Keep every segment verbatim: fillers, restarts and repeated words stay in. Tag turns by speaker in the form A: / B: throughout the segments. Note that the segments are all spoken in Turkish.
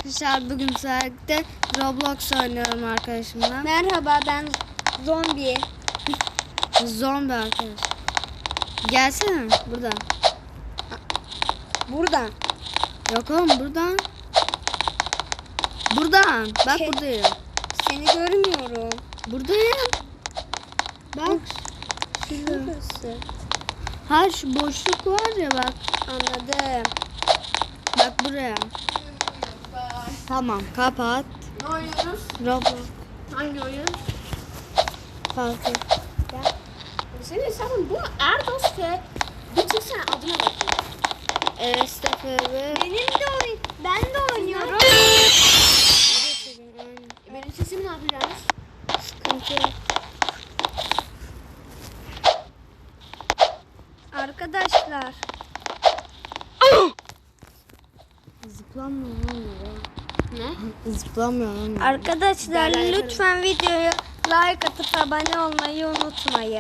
A: Arkadaşlar bugün saatte Roblox oynuyorum arkadaşımla.
B: Merhaba, ben zombi.
A: Zombi arkadaş. Gelsene buradan.
B: Buradan.
A: Yok oğlum buradan. Buradan. Bak
B: Şey-
A: buradayım.
B: Seni görmüyorum.
A: Buradayım. Bak. Şurada.
B: Şurası.
A: Ha şu boşluk var ya bak.
B: Anladım.
A: Bak buraya. Tamam kapat.
C: Ne oynuyoruz?
A: Roblox.
C: Hangi oyun?
A: Kalkın.
C: Senin hesabın bu Erdos ve bir çıksana adına bakayım.
A: Evet Stefan.
B: Benim de oyun. Ben de oynuyorum.
C: Benim sesimi ne yapacağız?
A: Sıkıntı.
B: Arkadaşlar.
A: Zıplamıyor oğlum ya.
C: Ne?
A: Zıplamıyor oğlum.
B: Arkadaşlar
C: Derler
B: lütfen videoya like atıp abone olmayı unutmayın.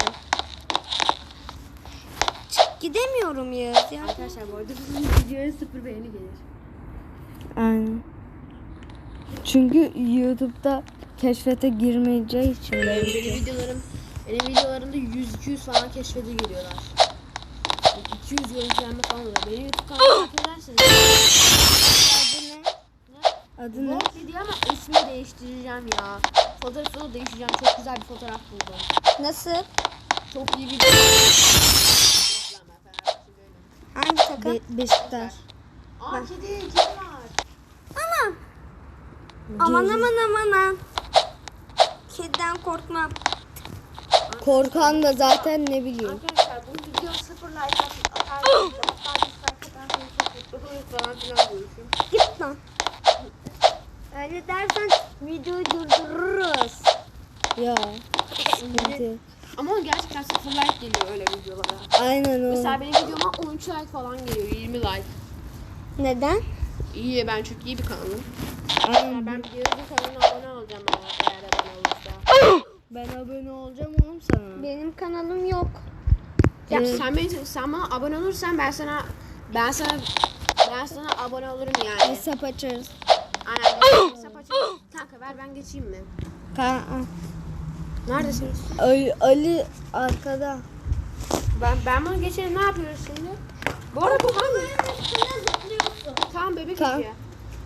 B: Çık gidemiyorum Yağız ya.
C: Arkadaşlar bu arada bu videoya sıfır beğeni gelir.
A: Aynen. Çünkü YouTube'da keşfete girmeyeceği için.
C: Benim, benim videolarım benim videolarımda yüz iki yüz falan keşfete giriyorlar. iki yüz görüntülenme falan oluyor. Benim YouTube kanalıma takip ederseniz.
B: Adı ne?
A: Adı ne?
C: Vlog video ama ismi değiştireceğim ya. Fotoğrafını değiştireceğim. Çok güzel bir fotoğraf buldum.
B: Nasıl?
C: Çok iyi bir video.
B: Hangi takım?
A: Be- Beşiktaş.
C: Aa kedi, kedi var.
B: Aman. Aman aman aman aman. Kediden korkmam.
A: Korkan da zaten ne bileyim.
C: Arkadaşlar bu video sıfır like atarsanız hatta dislike atarsanız çok mutlu oluruz falan filan diyormuşum.
B: Git lan. Öyle dersen videoyu durdururuz.
A: Ya. Sıkıntı.
C: Ama o gerçekten sıfır like geliyor öyle videolara.
A: Aynen o.
C: Mesela benim videoma on üç like falan geliyor, yirmi like.
B: Neden?
C: İyi, ben çok iyi bir kanalım.
A: Aynen.
C: Ben bir Yağız'ın kanalına abone olacağım eğer, eğer abone olursa.
A: Ben abone olacağım oğlum sana.
B: Benim kanalım yok.
C: Ya
A: Evet.
C: sen beni, sen bana abone olursan ben sana ben sana ben sana abone olurum yani.
A: Hesap açarız.
C: Aynen. Ben hesap açayım. Kanka ver ben geçeyim mi?
A: Ka-
C: Neredesiniz?
A: Ali, Ali arkada.
C: Ben ben bunu geçelim, ne yapıyoruz şimdi? Bu arada bu hangi? Tamam bebek
A: Tamam.
C: işi.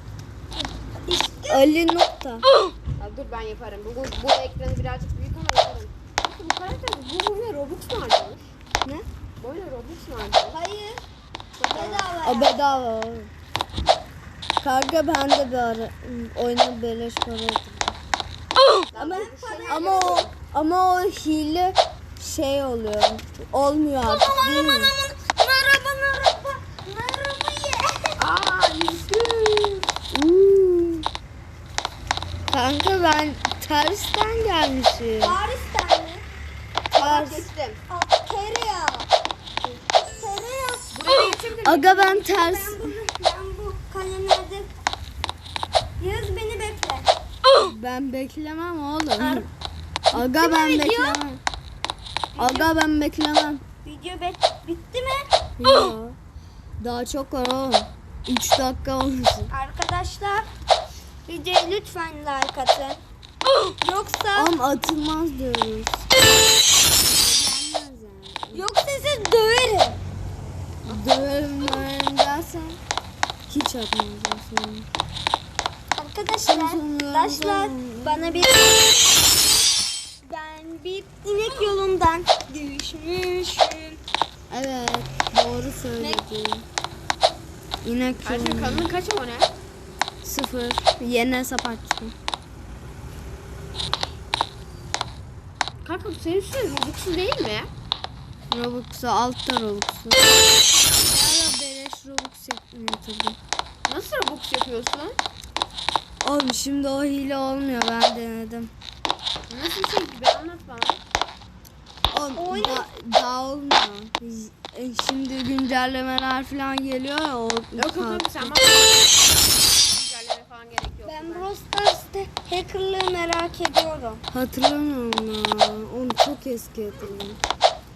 A: Ali nokta.
C: Ya dur ben yaparım. Bu, bu, bu ekranı birazcık büyük ama yaparım. Bu karakter bu oyuna Robux mu harcamış?
A: Ne?
C: Bu oyuna Robux mu harcamış?
B: Hayır.
A: O bedava oğlum. Kanka ben de bir ara oyuna beleş para yatırdım. Ama, ama o ama o hile şey oluyor. Olmuyor artık değil mi?
B: Merhaba merhaba. Merhaba ye.
C: Aaa yüzgün.
A: Uuu. Kanka ben tersten gelmişim.
B: Paris'ten mi?
A: Ters.
C: Geçtim.
B: Tereyağı. Tereyağı.
C: Buraya geçebilir miyim?
A: Aga ben ters.
B: Ben bunu, ben bu kalemlerde. Yağız beni bekle.
A: Ben beklemem oğlum.
B: Ar-
A: Aga
B: mi
A: ben
B: video?
A: beklemem. Aga ben beklemem.
B: Video bet bitti mi?
A: Yo. Daha çok var oğlum. üç dakika olmasın.
B: Arkadaşlar videoya lütfen like atın. Yoksa
A: Oğlum atılmaz diyoruz.
B: yoksa sizi döverim.
A: Döverim döverim dersen hiç atmayacağım sonra.
B: Arkadaşlar, arkadaşlar bana bir ben bir inek yolundan düşmüşüm.
A: Evet doğru söyledin. İnek
C: Ayşe
A: yolunda.
C: kanalın kaç abone?
A: Sıfır. Yeni hesap açtım.
C: Kanka senin üstüne Robux'un değil mi?
A: Robux'u altta Robux'u. Hala beleş Robux yatırdım.
C: Nasıl Robux yapıyorsun?
A: Oğlum şimdi o hile olmuyor, ben denedim.
C: Nasıl bir şey gibi anlat bana.
A: Oğlum da, daha olmuyor. E, Şimdi güncellemeler falan geliyor ya. O
C: Yok yok yok sen bana güncelleme falan gerek yok.
B: Ben Brawl Stars'ta hackerlığı merak ediyorum.
A: Hatırlamıyorum ya. Onu çok eski hatırlıyorum.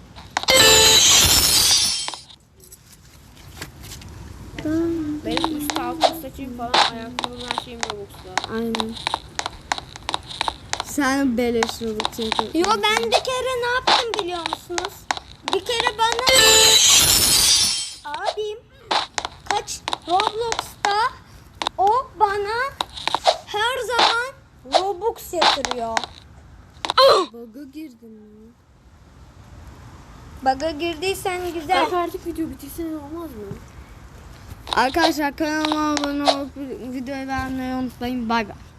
C: Benim üst kalkın saçım falan ayakkabım her şeyim Robux'ta.
A: Aynen. Sen beleş Robux yapıyorsun.
B: Yo ben bir kere ne yaptım biliyor musunuz? Bir kere bana abim kaç Roblox'ta o bana her zaman Robux yatırıyor.
A: Bug'a girdin mi?
B: Bug'a girdiysen güzel.
C: Bak artık video bitirsen olmaz mı?
A: Arkadaşlar kanalıma abone olup videoyu beğenmeyi unutmayın. Bay bay.